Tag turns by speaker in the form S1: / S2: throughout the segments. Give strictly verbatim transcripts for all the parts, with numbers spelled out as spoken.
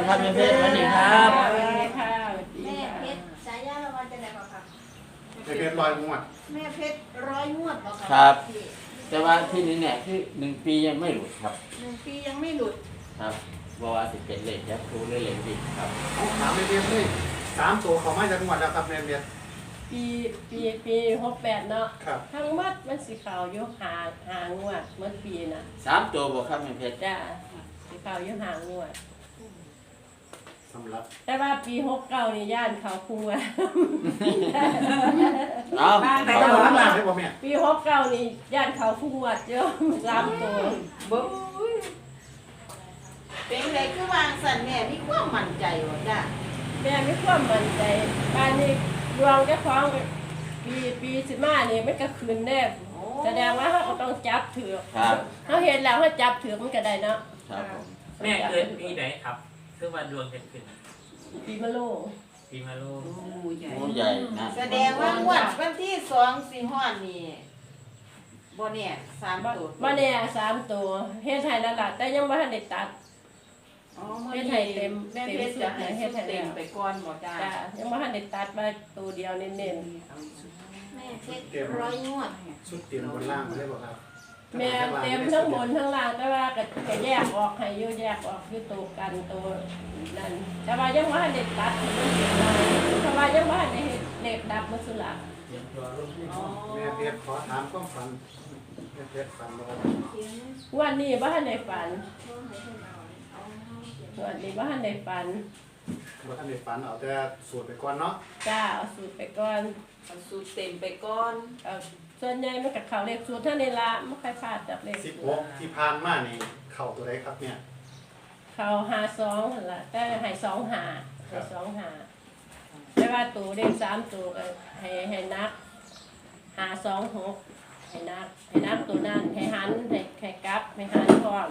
S1: ครับแม่เพชรสวัสดีครับ
S2: สวัสดีค่ะสวัสดี
S3: แม่
S2: ค่ะ
S3: เพชรสายยาละวันจะไหนบอกครับ
S4: แม่เพชรลอยงวด
S3: แม่เพชรร้อยงวดบอก
S1: ครับ
S3: พี่
S1: แต่ว่าที่นี้เนี่ยคือหนึ่งปียังไม่หลุดครับ
S3: หนึ่งปียังไม่หลุด
S1: ครับบอกว่าสิเป็นเลขยักษ์ครูหรือเลขดิบครับ
S4: เอาถามแม่เพชรเลยสามตัวเขามาจากงวดแล้วครับแม่เพชร
S2: ปีปีปีหกแปดเนาะ
S4: ครับ
S2: ทั้งหมัดมันสีขาวอยู่หาหางวดเหมือนปีน่ะ
S1: สามตัวบอกครับแม่เพชร
S2: จ้าสีขาวอยู่หางวด
S4: สำหรับ
S2: แต่ว่าปีหกเก้านี่ย่านเขาคุงว
S1: เอา
S4: แต่
S1: เอา
S4: ก็หลังๆได้ป่ะแม่
S2: ปีหกเก้านี่ย่านเขาคุงวดเยอะสามตัว
S3: บุ้ยเป็นไรคือวางสันแม่มีความมั่นใจว่าจ้ะ
S2: แม่ไม่ความมั่นใจบ้านนี้ดวงเจ้าของปีปีสิมานี่มันก็คืนแน่แสดงว่าเขาก็ต้องจับถือ
S1: ครับ
S2: เขาเห็นแล้วเขาจับถือมันก็ได้เนาะ
S1: ครับผม
S5: แม่เกิดปีไหนครับคือวันดวงเป็นขึ้น
S2: ปีมะโล
S5: ปีมาโล
S1: หมูใหญ่นะ
S3: แสดงว่างวดวันที่สองสี่ห้อนนี่บ่เนี่ยสามตัว
S2: มาเนี่ยสามตัวเฮ็ดไทยแล้วล่ะแต่ยังไม่ทันได้ตัด
S3: อ๋อมื่อ
S2: เฮ็ด
S3: นี้
S2: ให้เต็ม
S3: แม่
S2: เต็ม
S3: เพชร
S2: สุ
S3: จะ
S2: ด
S3: ให้
S2: นะเฮ็
S3: สุ
S2: ด
S3: ด
S2: ให้
S3: เต็ม
S2: แล้ว
S3: ไปก่อนหมดจ้า
S2: จ้ายังไม่ทันได้ตัดมาตัวเดียวเน้น
S3: แม่เพชรร้อยงวด
S4: ชุดเตรียมบนล่างมาได้ป่ะครับ
S2: ๆแม่เต็มทั้งบนทั้งล่างแต่ว่าก็ก็แยกออกให้อยู่แยกออกอยู่ตัวกันตัวนั่นแต่ว่ายังไม่ทันได้ตัดให้มันเสียลายแต่ว่ายังไม่ทันได้เฮ็ดเล็กดับมันสุดละ
S3: อ๋อ
S4: แม่เพชรขอถามความฝันแม่เพชรฝันบ่ครับ
S2: วันนี้บ่ทันได้ฝันวันนี้บ่ทันได้ฝัน
S4: บ่ทันได้ฝันเอาแต่สูตรไปก่อนเนาะ
S2: จ้าเอาสูตรไปก่อน
S3: เอาสูตรเต็มไปก่อน
S2: เอาส่วนใหญ่มันก็เข้าเลขสูตรเท่านี้ละไม่ค่อยพลาดจากเลข
S4: สิบ
S2: สู
S4: ห
S2: ต
S4: ก
S2: ร
S4: ที่ผ่านมานี่เข่าตัวใดครับเนี่ย
S2: เขาหาสองนั่นล่ะแต่ให้สองหาให้สองหาแต่ว่าตัวเลขสามตัวก็ให้ให้นักหาสองหกให้นักให้นักตัวนั้นให้หันให้ให้กลับให้หันพร้อม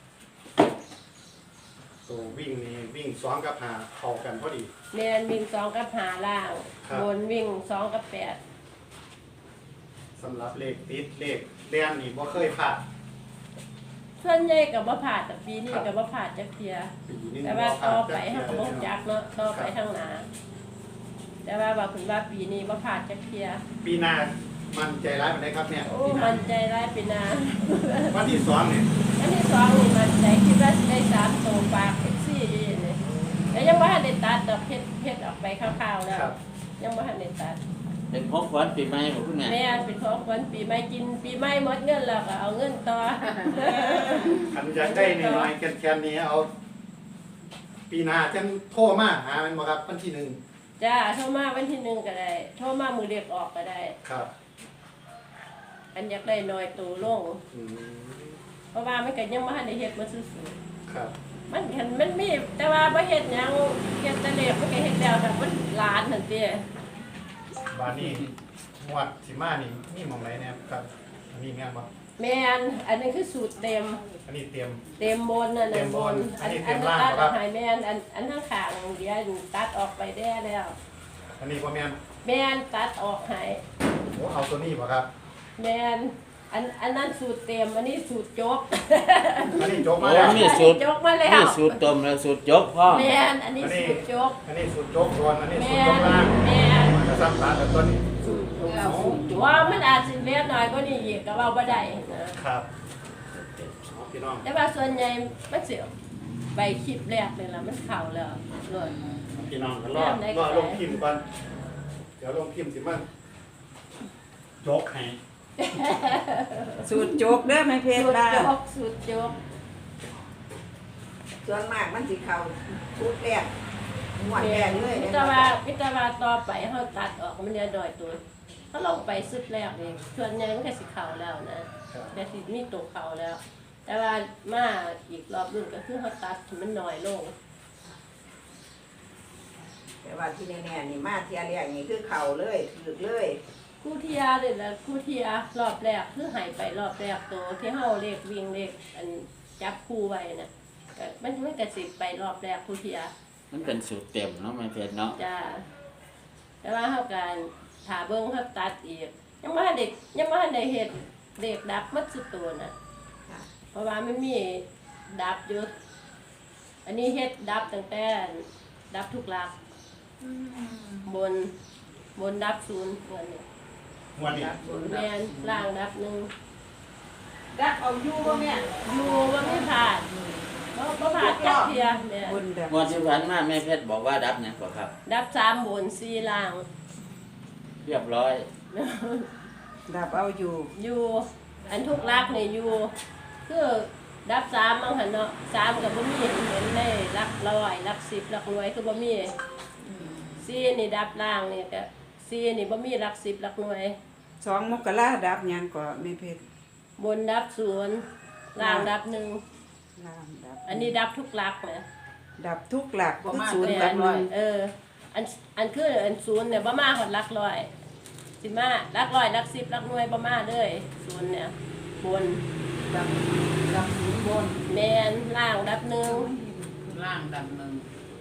S4: ตัววิ่งนี่วิ่งสองกับหาเข้ากันพอดี
S2: เรียนวิ่งสองกับหาล่าง
S4: ครับ
S2: บนวิ่งสองกับแปด
S4: สำหรับเลขติดเลขเรียนนี่บ่เคยพลาด
S2: ส่วนใหญ่กับว่าผ่าดแต่ปีนี้กับว่าผ่าดจะเคลียร์
S4: ปีนี้
S2: แต่
S4: บ่
S2: ว่า
S4: พลา
S2: ต่อ
S4: ด
S2: ไปห้าก็บ่จักเนาะต่อไปข้างหน้าแต่ว่าว่าคุณว่าปีนี้ว่าผ่าดจะเคลียร์
S4: ปีหน้ามันใจร้ายมันได้ครับเนี่ย
S2: โอ้
S4: ปีหน้า
S2: มันใจร้ายปีหนา
S4: วันที่สองเนี่ย
S2: อันที่สองนี่มันใจคิดว่าสิได้สามตัวปากเอ็กซี่ดีเลยแต่ยังว่าได้ตัดดอกเพชรเพชรออกไปคร่าวๆแล้ว
S4: ครับ
S2: ยังว่าได้ตัด
S1: เป็นของขวัญปีใหม่ของคุณแม่
S2: แม่อันเป็นของขวัญปีใหม่กินปีใหม่หมดเงินแล้วก็เอาเงินต่อ
S4: อันอยากได้น้อยๆแคนๆนี้เอา ปีหน้าจังโทรมาหามันบ่ครับวันที่หนึ่ง
S2: จ้าโทรมาวันที่หนึ่งก็ได้โทรมามือเรียกออกก็ได้
S4: ครับ
S2: อันอยากได้น้อยตัวลง
S4: อืม
S2: เพราะว่ามันก็ยังบ่ทันได้เฮ็ดมาซื่อ
S4: ครับ
S2: ๆมันคันมันมีแต่ว่าบ่เฮ็ดหยังเฮ็ดแต่เล็กมันก็เฮ็ดแล้วแต่มันหลานนั่นติ
S4: บานนี้งวดสิมานี่มีหม่องไหนเนี่ยครับ อันนี้แม่นบ่
S2: แม่นอันนั้นคือสูตรเต็ม
S4: อันนี้เตรียม
S2: เต็มบนนั่น
S4: เต็
S2: น่ะ
S4: ม
S2: บบ น
S4: น
S2: อัน
S4: อันนี้
S2: อัน
S4: เต็ม
S2: นั้น
S4: ล่าง
S2: ตัด
S4: ครับ
S2: ออกให้แม่นอันอันข้างข้างเดี๋ยวตัดออกไปแด้แล้ว
S4: อันนี้บ่แม่น
S2: แม่นตัดออกให้
S4: โอ้เอาตัวนี้บ่ครับ
S2: แม่นอันอันนั้นสูตรเต็มอันนี้สูตรจบ
S4: อันนี้จบ
S1: โอ้
S4: มาแล้ว
S1: มีสูตร
S2: จบมาแล้ว
S1: มีสูตรต้มและสูตรยกพ่อ
S2: แม่นอันนี้สูตรจบ
S4: อันนี้สูตรจบก่อนอันนี้สู
S2: แม่
S4: ตรจบล่าง
S2: แม่น
S4: มันจะซ้ำตากับตัวนี้
S2: ว่ามันอาจสิเล็กน้อยกว่านี้อีกก็เว้าบ่ได้นะครับ
S4: เอาพี่น้อง
S2: แต่ว่าส่วนใหญ่มันสิใบคลิปแรกนี่ล่ะมันเข้าแล้วโลด
S4: พี่น้องก็รอรอลงพิมพ์ก่อนเดี๋ยวลงพิมพ์สิมันจกให้
S6: สูตรโจกเด้อแม่เพช
S2: สู
S6: ร
S2: ตร
S6: ว่า
S2: จบสูตรจบ
S6: ส่วนมากมันสิเข้าสูตรแรกหมวดแรกเลย
S2: พิจารณาพิจารณาต่อไปเขาตัดออกมันเรียนดอยตัวเขาลงไปสุดแรกเองส่วนใหญ่มันก็สิเข่าแล้วนะแต่สิมีตกเข่าแล้ว แต่ว่ามาอีกรอบรุ่นก็คือเขาตัดให้มันน้อยลง
S6: แต่ว่าที่แน่ๆนี่มาเทียแรกนี่คือเข้าเลยถึกเลย
S2: คู่เทียเลยละคู่เทียรอบแรกคือหายไปรอบแรกตัวที่เขาเลขวิ่งเลขอันจับคู่ไว้น่ะก็มันมันกระสิบไปรอบแรกคู่เทีย
S1: มันเป็นสูตรเต็มเนาะแม่เพชรเนาะ
S2: จ้าแต่ว่าเขาการถาเบิ้งเขาตัดอีกยังไม่เด็กยังไม่ได้เห็ดเด็กดับมัดสุดตัวน่ะเพราะว่าไม่มีดับอยุดอันนี้เฮ็ดดับตั้งแต่ดับทุกหลัก
S3: อืม
S2: บนบนดับศูนย์เงินเนี่ย
S4: งวันนี้
S2: แมนล่างดับหนึ่ง
S3: ดักเอาอยู่บ่แม่
S2: อยู่ว่าไม่ผ่านบ่บ่ผ่านจักเทียเนี่ย
S6: บนดับ
S1: งวดที่ผ่านมาแม่เพชรบอกว่าดับเนี่ยบ่ครับ
S2: ดับสามบนสี่ล่าง
S1: เรียบร้อย
S6: ดับเอาอยู่
S2: อยู่อันทุกลักเนี่ยอยู่คือดับสามมั้งหันเนาะสามกับบ่มีเห็นเห็นได้ลักร้อยลักสิบลักหน่วยคือบ่มีสี่นี่ดับล่างนี่ก็สี่นี่บ่มีลักสิบลักหน่วย
S6: สองมกราดับหยังก็แม่เพชร
S2: บนดับศูนย์ล่างดับหนึ่ง
S6: ล่างดับ
S2: อันนี้ดับทุกลักนะ
S6: ดับทุกหลัก
S3: บ่
S6: คือ
S3: มา
S6: ศูนย์
S3: แต่
S6: กับห
S3: ร้
S6: นึ่
S3: อย
S6: ง
S2: เอออันอันคืออันศูนย์เนี่ยบ่มาหอดลักร้อยสิมาลักร้อยลักสิบลักหน่วยบ่มาเลยศูนย์เนี่ยบน
S3: ดับดับศูนย์บน
S2: แมนล่างดับหนึ่ง
S3: ล่างดับหนึ่ง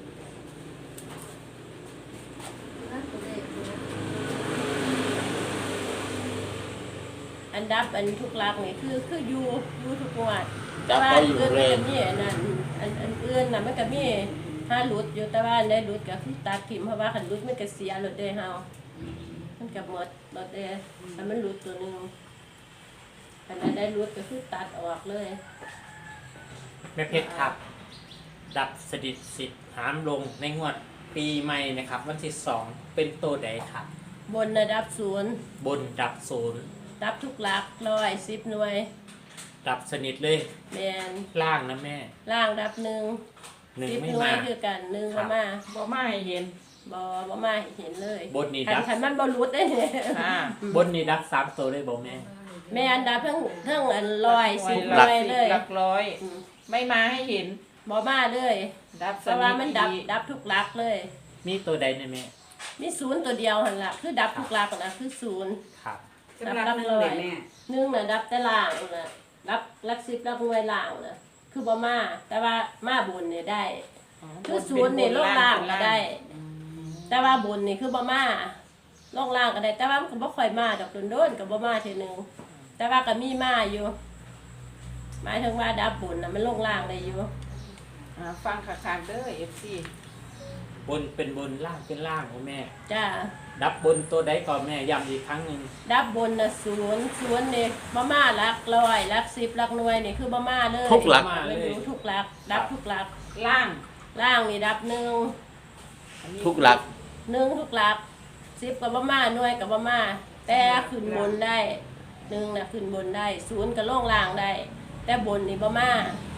S2: อันดับอันทุกลักนี่คือคืออยู่อยู่ทุกงวด
S1: ดับ
S2: ว่า
S1: ก็อยู่
S2: อื่น
S1: เล
S2: มัน
S1: ย
S2: ก็มีอันนั้นอันอันอื่นน่ะมันก็มีห้าหลุดอยู่แต่ว่าอันได้หลุดก็คือตัดถิ่มเพราะว่าคันหลุดมันก็เสียหลุดเด้เฮามันก็หมดหลุดเด้ถ้ามันหลุดตัวหนึงอันนั้นได้หลุดก็คือตัดออกเลย
S5: แม่เพชรครับ ดับสดิทสิทธิ์หามลงในงวดปีใหม่นะครับ วันที่สองเป็นตัวใดครับ
S2: บนระดับศูนย์
S5: บนดับศูนย์
S2: ดับทุกหลักร้อยสิบหน่วย
S5: ดับสนิทเลย
S2: แมน
S5: ล่างนะแม่
S2: ล่างดับหนึ่ง
S5: หนึ่ง
S2: สิบ
S5: ไม่
S2: หน่ว
S5: มาย
S2: คือกันหนึ่ง
S5: ครั
S2: บ่
S5: บ
S2: มา
S3: บ่มาให้เห็น
S2: บ่บ่มาให้เห็นเลย
S5: บนนี่
S2: คั
S5: ดั
S2: น
S5: บ
S2: คันมันบ่หลุดได้เนี่ย
S3: อ่า
S5: บนนี่ดับสามตัวเลยบอกแม่
S2: แม่อันดับทั้งทั้งอันร้อยสิบห
S3: หลั
S2: น่วยเลย
S3: หลักร้อย
S2: อืม
S3: ไม่มาให้เห็น
S2: บ่มาเลย
S3: ดับ
S2: เพ
S3: ส
S2: ราะ
S3: นิ
S2: ว่า
S3: ท
S2: มันดับ
S3: ดี
S2: ดับทุกหลักเลย
S5: มีตัวใดนะแม่
S2: มีศูนย์ตัวเดียวหั่นล่ะคือดับทุกหลักนะคือศูนย์
S5: ครับ
S6: สำหรับหนึ่งเด็กแม่
S2: หนึ่งน่ะดับแต่ล่างน่ะรับหลักสิบหลักหน่วยล่างน่ะคือบ่มาแต่ว่ามาบนเนี่ยได้ คือศูนย์นี่ลงล่างก็ได้ แต่ว่าบนนี่คือบ่มาลงล่างก็ได้ แต่ว่ามันก็บ่ค่อยมาดอกโดนๆก็บ่มาทีนึงแต่ว่าก็มีมาอยู่หมายถึงว่าดับบนน่ะมันลงล่างได้อยู่
S3: อ่าฟังคักๆเด้อ เอฟ ซี
S5: บนเป็นบนล่างเป็นล่างของแม่
S2: จ้า
S5: ดับบนตัวใดก่อนแม่ย้ำอีกครั้งหนึ่ง
S2: ดับบนน่ะศูนย์ศูนย์นี่บ่มาหลักร้อยหลักสิบหลักหน่วยนี่คือบ่มาเลย
S1: ทุกหลัก
S2: มันอยู่ทุกหลัก ดับทุกหลัก
S3: ล่าง
S2: ล่างนี่ดับหนึ่ง
S3: อันนี้
S1: ทุกหลัก
S2: หนึ่งทุกหลักสิบกับบ่มาหน่วยกับบ่มาแต่ขึ้นบนได้หนึ่งน่ะขึ้นบนได้ศูนย์กับลงล่างได้ แต่บนนี่บ่มา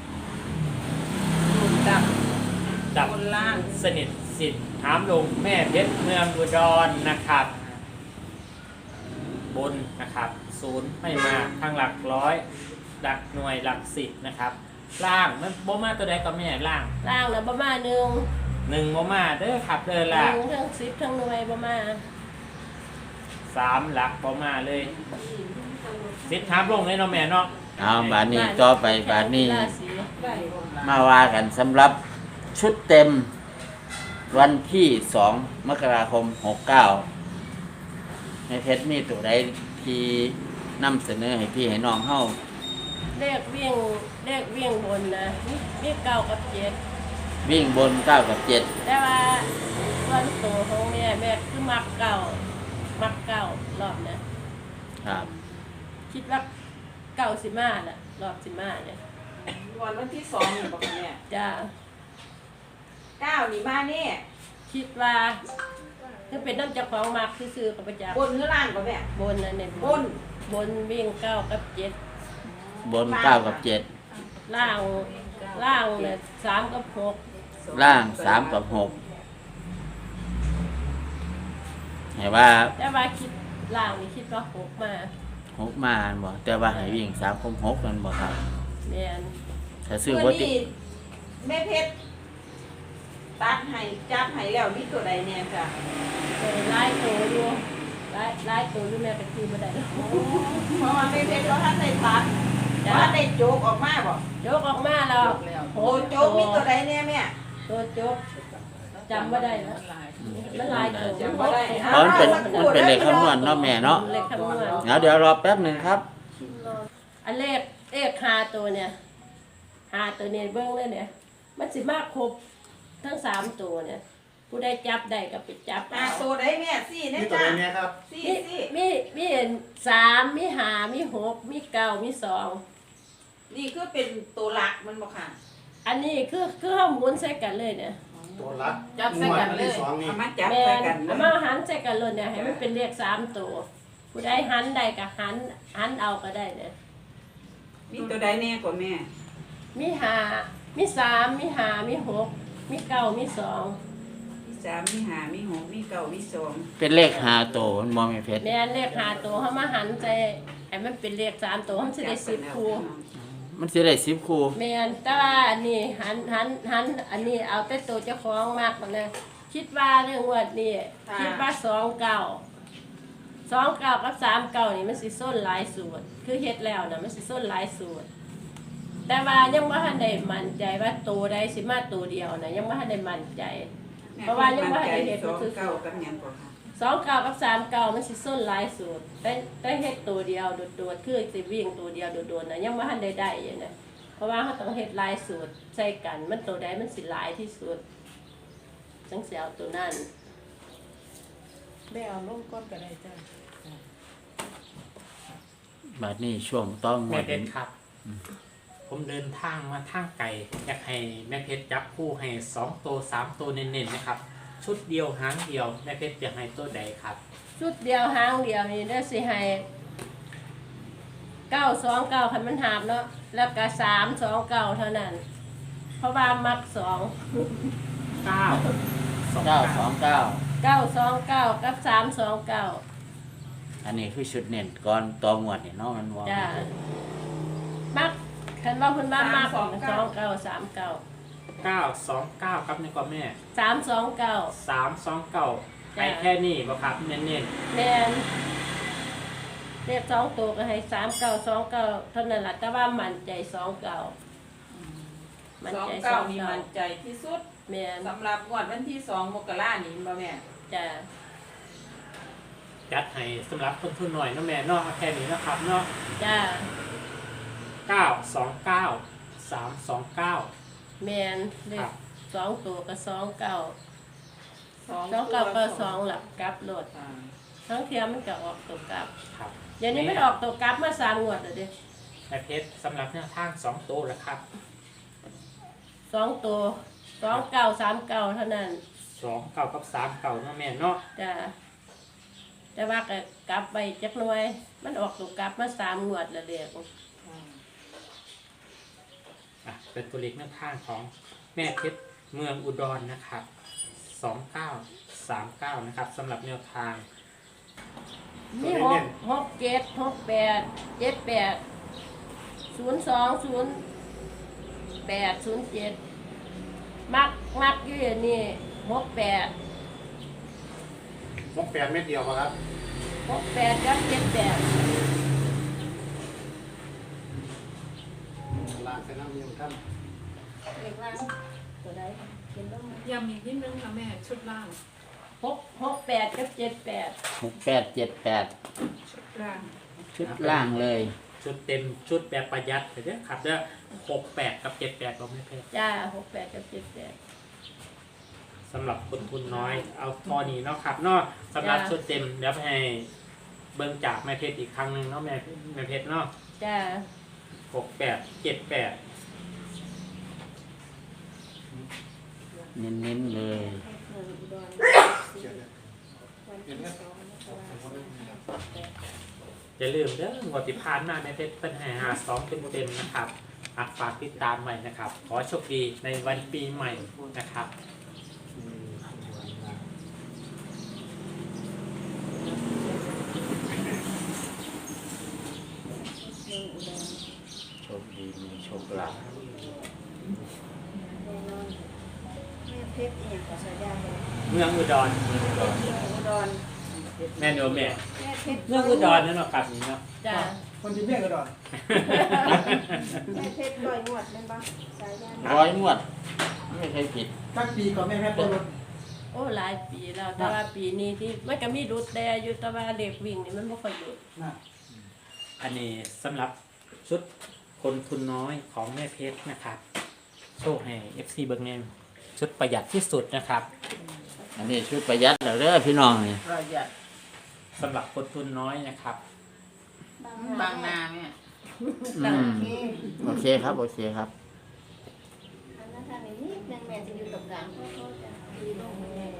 S3: ศูนย์ดับ
S5: ดับบ
S3: นล่าง
S5: สนิทสิทธิ์หามลงแม่เพชรเมืองอุดรนะครับ บนนะครับศูนย์ไม่มาทางหลักร้อยหลักหน่วยหลักสิบนะครับ ล่างมันบ่มาตัวใดก็แม่ล่าง
S2: ล่างน่ะบ่มาหนึ่ง
S5: หนึ่งบ่มาเด้อครับเด้อ
S2: ห
S5: ล่ะ
S2: นึ่งทั้งสิบทั้งหน่วยบ่มา
S5: สามหลักบ่มาเลยสิทธิ์หามลงเลยเนาะแม่เนาะ
S1: เอาบาทนี้ต่อไปบาทนี้
S2: ราศี
S3: ได้บนล่าง
S1: มาว่ากันสำหรับชุดเต็มวันที่สองมกราคมหกเก้าในเพชรมีตัวใดที่นำเสนอให้พี่ให้น้องเฮา
S2: เลขวิ่งเลขวิ่งบนนะมีมีเก้ากับเจ็ด
S1: วิ่งบนเก้ากับเจ็ด
S2: แต่ว่าส่วนตัวของแม่แม่คือมักเก้ามักเก้ารอบนะครับ คิดว่าเก้าสิมาน่ะรอบสิมาเนี่ย
S3: วันวันที่สองนี่บอกเนี่ย
S2: จ้า
S3: เก้านี่มาแน่
S2: คิดว่าคือเป็นน้ำเจ้าของมักซื้อๆกับประจักษ์
S3: บนหรือล่างก็แม่
S2: บนนั่นเนี่ย
S3: บน
S2: บนวิ่งเก้ากับเจ็ด
S1: บนเก้ากับเจ็ด
S2: ล่างล่างเนี่ยสามกับหก
S1: ล่างสามกับหกเห็นว่า
S2: แต่ว่าคิดล่างนี่คิดว่าหกมา
S1: หกมาอันบ่แต่ว่าให้วิ่งสามกับหกนั่นบ่ครับ
S2: แม่น
S1: ถ้าซื้อ
S3: เมื่
S1: บ่
S3: อ
S1: ติ
S3: นี้แม่เพชรตัดให้จับให้แล้วมีตัวใดเนี่ยจ้ะ
S2: เออไล่ตัวอยู่ไล่ไล่ตัวอยู่แม่ก็คือบ่ได้แล้ว
S3: เพราะว่าแม่เพชรเราท่านได้ตัด
S2: จ้ะ
S3: ว่าได้โจกออกมาบ่
S2: ยกออกมาแล้ว
S3: โอ้โจกมีตัวใดเนี่ยแม่
S2: ตัวจกจำบ่ได้แล้วมันหลายตัว
S3: จำบ่ได้
S1: เพราะมันเป็นมันเป็นเลขคำนวณเนาะแม่เนาะ
S2: เลขคำนวณ
S1: เดี๋ยวเดี๋ยวรอแป๊บหนึงครับ
S2: อันเลขเลขห้าตัวเนี่ยห้าตัวเนี่ยเบิ่งเลยเนี่ยมันสิมากครบทั้งสามตัวเนี่ยผู้ใดจับได้ก็ไปจับ
S3: หา
S2: เอา
S3: ตัวได้แม่สี่
S4: มี
S3: นะ
S4: ตัว
S3: จ้า
S4: ไหนเนี่ยครับ
S3: สี่
S2: มี
S3: สี่
S2: มีมีสามมีห้ามีหกมีเก้ามีสอง
S3: นี่คือเป็นตัวหลักมันบ่ค่ะ
S2: อันนี้คือคือเฮาหมุนใส่กันเลยเนี่ย
S4: ตัวรัก
S3: จับใส่กันเลย
S4: งวดที่สองนี่
S6: เอามาจับ
S2: แม่
S6: ใส่
S2: น
S6: กัน
S2: เอามาหันใส่กันเลยเนี่ยให้มันเป็นเลขสามตัวผู้ใดหันได้ก็หันหันเอาก็ได้เนี่ย
S6: มีตัวใดแน่กว่าแม่
S2: มีห้ามีสามมีห้ามีหกมีเก้ามีสอง
S6: มีสามมีห้ามีหกมีเก้ามีสอง
S1: เป็นเลขหาโตมันบ่แม่เพชร
S2: แม่นเลขห้าตัวเฮามาหันใส่ให้มันเป็นเลขสามตัวมันสิได้สิบคู่
S1: มันสิได้สิบคู่
S2: แม่นแต่ว่าอันนี้หันหันหันอันนี้เอาแต่ตัวเจ้าของมากมันเลยคิดว่าเรื่องงวดนี้คิดว่าสองเก้าสองเก้ากับสามเก้านี่มันสิส้นหลายสูตรคือเฮ็ดแล้วนะมันสิส้นหลายสูตร แต่ว่ายังบ่ทันได้มั่นใจว่าตัวใดสิมาตัวเดียวนะยังบ่ทันได้มั่นใจ เพราะว่ายังบ่ทันได้เฮ็ด
S6: สอง
S2: คือ
S6: เก้ากับหยังกว่าค่ะ
S2: สองเก้ากับสามเก้ามันสิส้นหลายสูตรแต่แต่เฮ็ดตัวเดียวโดดๆคือสิวิ่งตัวเดียวโดดๆนะยังบ่ทันได้ได้อยู่นะเพราะว่าเขาต้องเฮ็ดหลายสูตรใส่กันมันตัวใดมันสิหลายที่สุดจังสิเอาตัวนั้น
S3: ได้เอาลงก้อนก็ได้จ้า
S1: บัดนี้ช่วงต้องง
S5: แม่
S1: วด
S5: เพชรครับ ผมเดินทางมาทางไกลอยากให้แม่เพชรจับคู่ให้สองตัวสามตัวเน้นๆนะครับ ชุดเดียวหางเดียวแม่เพชรจะให้ตัวใดครับ
S2: ชุดเดียวหางเดียวนี่ได้สิให้เก้าสองเก้าคันมันหาบเนาะแล้วก็สามสองเก้าเท่านั้น เพราะว่ามักสอง
S5: เก้าสอง
S1: เก้า
S5: เก้า
S1: สองเก้า
S2: เก้าสองเก้ากับสามสองเก้า
S1: อันนี้คือชุดเน้นก่อนตัวงวดนี่เนาะมันว่า
S2: จ้ามักคันว่าคุณบ้ามักสองเก้าสามเก้า
S5: เก้าสองเก้าครับนี่ก็แม่
S2: สามสองเก้า
S5: สามสองเก้าไปแค่นี้บ่ครับเน้น
S2: แมนเรียกสองตัวก็ให้สามเก้าสองเก้าเท่านั้นแหละแต่ว่ามันใจสองเก้ามัน
S3: สอง
S2: ใจส
S3: เก้า
S2: อง
S3: นี่
S2: เก้า
S3: มันใจที่สุด
S2: แมน
S3: สำหรับงวดวันที่สองมกรานี่บ่แม่
S2: จ้า
S5: ๆจัดให้สำหรับคนทุนหน่อยเนาะแม่เนาะเอาแค่นี้นะครับเนาะ
S2: จ้า
S5: เก้าสองเก้าสามสองเก้า
S2: แมนเล
S5: ครั
S2: ข
S5: บ
S2: สองตัวก็สองเก้า
S3: สอง
S2: สองเก้าก็สองหลักกลับโหลด
S3: อ่า
S2: ทั้งเทียมมันก็ออกตัวกลับ
S5: ครับ
S2: เดี๋ยวนี้มันออกตัวกลับมาสามงวดแล้วเด้
S5: แม่เพชรสำหรับแนวทางสองตัวแล้วครับ
S2: สองตัวสองเก้าสามเก้าเท่านั้น
S5: สองเก้ากับสามเก้าเนาะแม่เนาะ
S2: จ้าแต่ว่าก็กลับไปจักหน่อยมันออกตัวกลับมาสามงวดแล้วเด็ก
S5: อ่ะเป็นตัวเลขแนวทางของแม่เพชรเมืองอุดรนะครับสองเก้าสามเก้านะครับสำหรับแนวทาง
S2: มีหกหกเจ็ดหกแปดเจ็ดแปดศูนย์สองศูนย์แปดศูนย์เจ็ดมักมักอยู่อย่างนี้หกแปด
S4: หกแปดเม็ดเดียวบ่ครับ
S2: หกแปดกับเจ็ดแปด
S4: ลางใส่น้ำมีท่าน
S2: เรียกว่าตัวใดเขียนลงมา
S7: ย้ำอีกนิดนึงค่ะแม่ชุดล่าง
S2: หกหกแปดกับเจ็ดแปด
S1: หกแปดเจ็ดแปด
S7: ชุดล่าง
S1: ชุดล่างเลย
S5: ชุดเต็มชุดแบบประหยัดเดี๋ยวครับเด้อหกแปดกับเจ็ดแปดของแม่เพชร
S2: จ้าหกแปดกับเจ็ดแปด
S5: สำหรับคนทุนน้อยเอาทอนี้เนาะครับเนาะสำหรับ
S2: จ้ะ
S5: ชุดเต็มเดี๋ยวให้เบิ่งจากแม่เพชรอีกครั้งหนึ่งเนาะแม่แม่เพชรเนาะ
S2: จ้า
S5: หกแปดเจ็ดแปด
S1: เน้นๆเลย
S5: อย่าลืมเด้องวดที่ผ่านมาแม่เพชรเป็นให้หาสองเต็มเต็มๆนะครับอ่ะฝากติดตามใหม่นะครับ ขอโชคดีในวันปีใหม่นะครับ
S1: โชคดีมีโชคลาภ
S6: แม่เพชรอีหยังก็ใช้ได้เลย
S5: เมืองอุดร
S6: อุดร
S5: แม่โนแม่
S6: แม่เพชร
S5: เมืองอุดรนั่นเนาะครับนี่เนาะ
S2: จ้า
S4: คนที่เมียกระดอน
S6: แม่เพชรลอยงวดแม่นบ่สายยาน
S1: ร้อยงวด ไม่เคยผิด
S4: สักปีก่อนแม่แม่ต้นรถ
S2: โอ้หลายปีแล้วแต่ว่าปีนี้ที่มันก็มีรุดแต่อยู่แต่ว่าเด็กวิ่งนี่มันไม่ค่อยหยุด
S4: นะ
S5: อันนี้สำหรับชุดคนทุนน้อยของแม่เพชรนะครับโชว์ให้ เอฟ ซี เบิ่งแน่ชุดประหยัดที่สุดนะครับ
S1: อันนี้ชุดประหยัดแล้วเด้อพี่น้องนี่
S3: ประหยัด
S5: สำหรับคนทุนน้อยนะครับ
S3: บางนาแม่
S1: อืมโอเคครับโอเคครับ
S8: อันนั้นทางนี้นิดนึงแม่จะอยู่ตรงกลางเพราะเขาจะดีลงแม่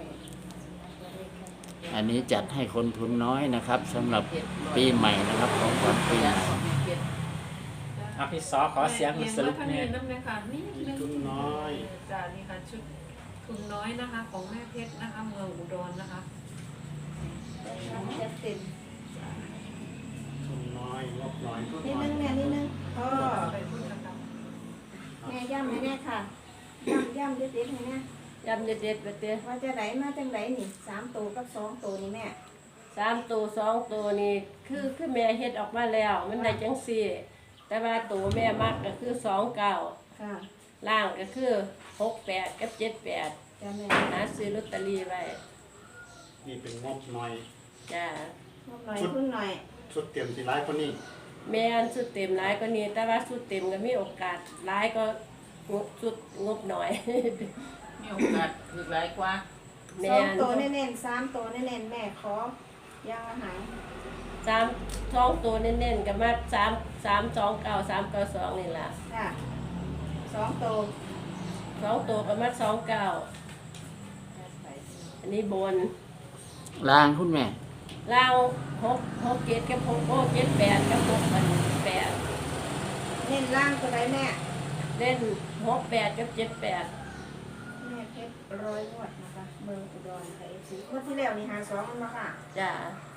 S1: อันนี้จัดให้คนทุนน้อยนะครับสำหรับปีใหม่นะครับของขวัญปีใหม่
S5: เอาพี่ซอขอเสียงสรุป
S7: แม่
S5: เนี่ย
S7: น้ำเลยค่ะนี่นึง
S4: ทุนน้อย
S7: จ้านี่ค่ะชุดทุนน้อยนะคะ ของแม่เพชรนะคะเมืองอุดรนะคะ
S8: จะติด
S4: ทุนน้อยงบน้อยทุน
S8: นิด
S4: น้อย
S8: นึงแม่นิดนึงพ่อ
S7: ไปพูดกันครับ
S8: แม่ย่ำให้แน่ค่ะย่ำย่ำเด็ดๆให้แน่
S2: ยำเด็ดๆไปเตี้ย
S8: ว่าจะไหนมาจังไหนนี่สามตัวกับสองตัวนี่แม่
S2: สามตัวสองตัวนี่คือคือแม่เฮ็ดออกมาแล้ว มันได้จังสี่ แต่ว่าตัวแม่มักก็คือสองเก้า
S8: ค่ะ
S2: ล่างก็คือหกแปดกับเจ็ดแปด
S8: จ้าแม่
S2: หาซื้อลอตเตอรี่ไว้
S4: นี่เป็นงบน้อย
S2: จ้า
S8: งบหน่อยทุนหน่อย
S4: ชุดเตรียมสีร้ายคนนี้
S2: แม่นสุดเต็มหลายก็นี้ แต่ว่าสุดเต็มก็มีโอกาสหลายก็งบสุดงบหน่อย
S3: มีโอกาสถือหลายกว่า
S2: แม่
S8: สอง
S2: น
S8: ตัวเน้นๆสามตัวเน้นๆแม่ขอย่างอาหาร
S2: สามสองตัวเน้นๆก็มาสามสามสองเก้าสามเก้าสองนี่ล่ะ
S8: ค่ะสองตัว
S2: สองตัวก็มาสองเก้าอันนี้บน
S1: ลางคุณแม่
S2: ล่างหกหกเจ็ดกับหกโอ้เจ็ดแปดกับหกพันแปด
S8: เน้นล่างตัวไหนแม่
S2: เล่นหกแปดกับเจ็ดแปด
S8: แม่เพชรร้อยงวดนะคะเมืองอุดรไทยซีงวดที่แล้วนี่หาสองมันมาค่ะ
S2: จ้า
S8: ง